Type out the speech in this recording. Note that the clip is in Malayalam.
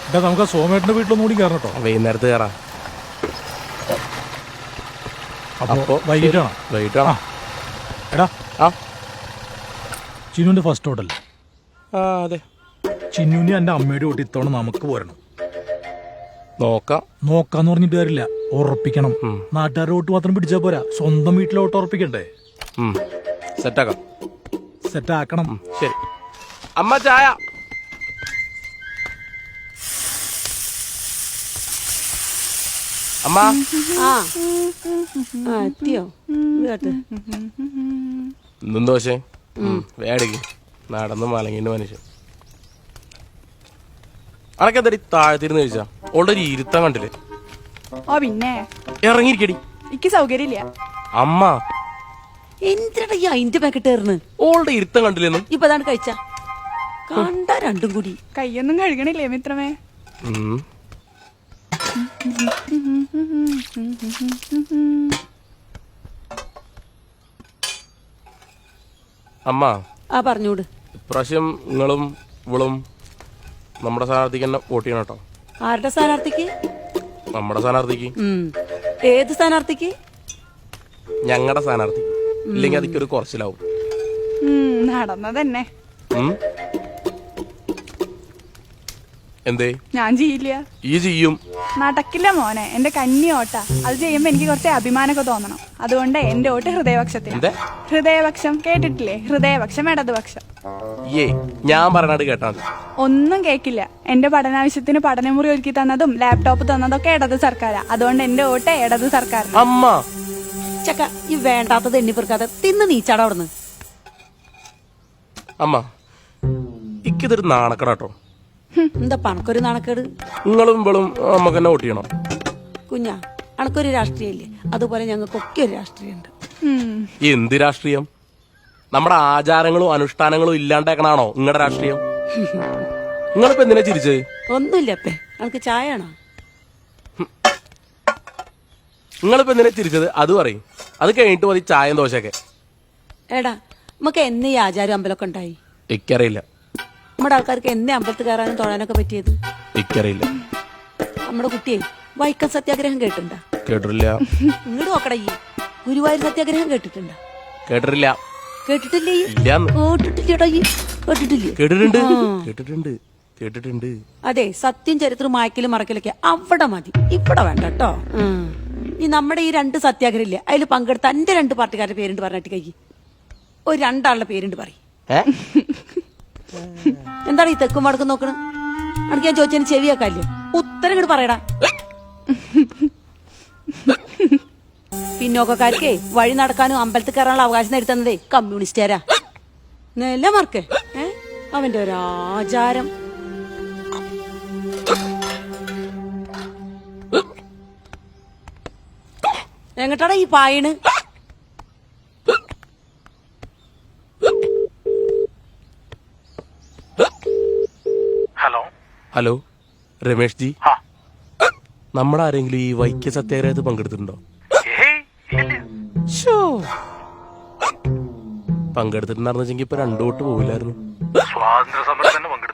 നമുക്ക് സോമേട്ടന്റെ വീട്ടിലൊന്നും കൂടി കയറണം കേട്ടോ. വൈകുന്നേരത്ത് കയറാം. അപ്പോ വൈകിട്ടാണോ? എടാ ചിന്നുവിന്റെ ഫസ്റ്റ് ഹോട്ടൽ. അതെ. ചിന്നുവിനെ എന്റെ അമ്മയുടെ കൂട്ടി ഇത്തവണ നമുക്ക് പോരണം. നോക്കാന്ന് പറഞ്ഞിട്ട് കാര്യമില്ല, ഉറപ്പിക്കണം. നാട്ടുകാരുടെ വോട്ട് മാത്രം പിടിച്ചാ പോരാ, സ്വന്തം വീട്ടിലെ വോട്ട് ഉറപ്പിക്കണ്ടേ? സെറ്റാക്കണം. ശരി അമ്മ, ചായ. അമ്മ എത്തിയോ? ഇന്നും ദോശ വേടിക്ക്. നടന്ന് മലങ്ങിന്റെ മനുഷ്യൻ. അനക്കെന്തടി താഴത്തിരുന്ന് കഴിച്ചാ? ഓൾറെഡി ഇരുത്തം കണ്ടില്ലേ? ഓ പിന്നെ ഇറങ്ങിയിരിക്കടി, എനിക്ക് സൗകര്യമില്ല. അമ്മ എന്തിനാ ഈ അയിന്റെ പാക്കറ്റ് ഏറുന്നു? ഓളുടെ ഇരുത്തം കണ്ടില്ലെന്നും. ഇപ്പൊ അതാണ് കഴിച്ച കണ്ട രണ്ടും കൂടി. കയ്യൊന്നും കഴുകണില്ലേ മിത്രമേ? അമ്മ പറഞ്ഞൂട്. ഇപ്രാവശ്യം നിങ്ങളും ഇവളും നമ്മുടെ സ്ഥാനാർത്ഥിക്ക് തന്നെ വോട്ട് ചെയ്യണം കേട്ടോ. ആരുടെ സ്ഥാനാർത്ഥിക്ക്? നമ്മുടെ സ്ഥാനാർത്ഥിക്ക്. ഏത് സ്ഥാനാർത്ഥിക്ക്? ഞങ്ങളുടെ സ്ഥാനാർത്ഥി. ഇല്ലെങ്കിൽ അതിക്കൊരു കുറച്ചിലാവും. നടന്നതന്നെ. എന്തേ? ഞാൻ ചെയ്യില്ല. ഈ ചെയ്യും. നടക്കില്ല മോനെ, എന്റെ കന്നി ഓട്ട. അത് ചെയ്യുമ്പോ എനിക്ക് കുറച്ച് അഭിമാനമൊക്കെ തോന്നണം. അതുകൊണ്ട് എന്റെ വോട്ട് ഹൃദയപക്ഷത്തിന്. ഹൃദയപക്ഷം കേട്ടിട്ടില്ലേ? ഹൃദയപക്ഷം, ഇടതുപക്ഷം. ഞാൻ പറഞ്ഞത് കേട്ടാ ഒന്നും കേക്കില്ല. എന്റെ പഠനാവശ്യത്തിന് പഠനമുറി ഒരുക്കി തന്നതും ലാപ്ടോപ്പ് തന്നതൊക്കെ ഇടത് സർക്കാരാ. അതുകൊണ്ട് എന്റെ വോട്ട് ഇടത് സർക്കാർ. അമ്മ ചക്ക, ഈ വേണ്ടാത്തത് എണ്ണിപ്പെറുക്കാതെ തിന്ന് നീച്ചാടാ അവിടുന്ന്. അമ്മ ഇക്കിതൊരു നാണക്കടാട്ടോ. എന്താ പണക്കൊരു നാണക്കേട്? നിങ്ങളും ഇവളും നമുക്ക് തന്നെ വോട്ട് ചെയ്യണം. കുഞ്ഞാ, അണക്കൊരു രാഷ്ട്രീയല്ലേ? അതുപോലെ ഞങ്ങൾക്കൊക്കെ ഒരു രാഷ്ട്രീയമുണ്ട്. എന്ത് രാഷ്ട്രീയം? നമ്മുടെ ആചാരങ്ങളും അനുഷ്ഠാനങ്ങളും ഇല്ലാണ്ടാക്കണാണോ നിങ്ങളുടെ രാഷ്ട്രീയം? നിങ്ങളിപ്പോ എന്തിനാ ചിരിച്ചത്? ഒന്നുമില്ല അപ്പേ, നമുക്ക് ചായ ആണോ? നിങ്ങളിപ്പോ എന്തിനാ ചിരിച്ചത് അത് പറയും. അത് കഴിഞ്ഞിട്ട് മതി ചായയും ദോശയൊക്കെ. എടാ, നമുക്ക് എന്നേ ഈ ആചാരം അമ്പലമൊക്കെ ഉണ്ടായി? എനിക്കറിയില്ല. നമ്മുടെ ആൾക്കാർക്ക് എന്നേ അമ്പലത്തിൽ കയറാനും തൊഴാനൊക്കെ പറ്റിയത്? എനിക്കറിയില്ല. നമ്മുടെ കുട്ടിയെ വൈക്കം സത്യാഗ്രഹം കേട്ടിട്ടുണ്ടാ? കേട്ടിട്ടില്ല. ഇങ്ങോട്ട് നോക്കടാ. ഈ ഗുരുവായൂർ സത്യാഗ്രഹം കേട്ടിട്ടുണ്ടാ? കേട്ടിട്ടില്ല. കേട്ടിട്ടില്ലേ? കേട്ടിട്ടുണ്ട്. അതെ, സത്യം ചരിത്രം മായ്ക്കലും മറക്കലൊക്കെ അവിടെ മതി, ഇവിടെ വേണ്ട കേട്ടോ. ഈ നമ്മുടെ ഈ 2 സത്യാഗ്രഹം ഇല്ലേ, അതിൽ പങ്കെടുത്ത എന്റെ 2 പാർട്ടിക്കാരുടെ പേരുണ്ട് പറഞ്ഞിട്ട് കൈ ഒരു 2 ആളുടെ പേരുണ്ട് പറയും. എന്താണ് ഈ തെക്കും വടക്കും നോക്കണം? അനക്ക് ഞാൻ ചോദിച്ചതിന് ചെവിയാക്കാല്ലേ? ഉത്തരം ഇങ്ങോട്ട് പറയടാ. പിന്നോക്കക്കാർക്കേ വഴി നടക്കാനും അമ്പലത്തിൽ കയറാനുള്ള അവകാശം നേടിത്തന്നതേ കമ്മ്യൂണിസ്റ്റുകാരാ. നെല്ല മാർക്ക് അവന്റെ ഒരു ആചാരം. എങ്ങട്ടാടാ ഈ പായണ്? ഹലോ രമേഷ് ജി, നമ്മുടെ ആരെങ്കിലും ഈ വൈക്യ സത്യാഗ്രഹത്തിൽ പങ്കെടുത്തിട്ടുണ്ടോ? പങ്കെടുത്തിട്ടുണ്ടായിരുന്നെങ്കിൽ ഇപ്പൊ 2 വോട്ട് പോവില്ലായിരുന്നു. സ്വാതന്ത്ര്യ സമരത്തിന്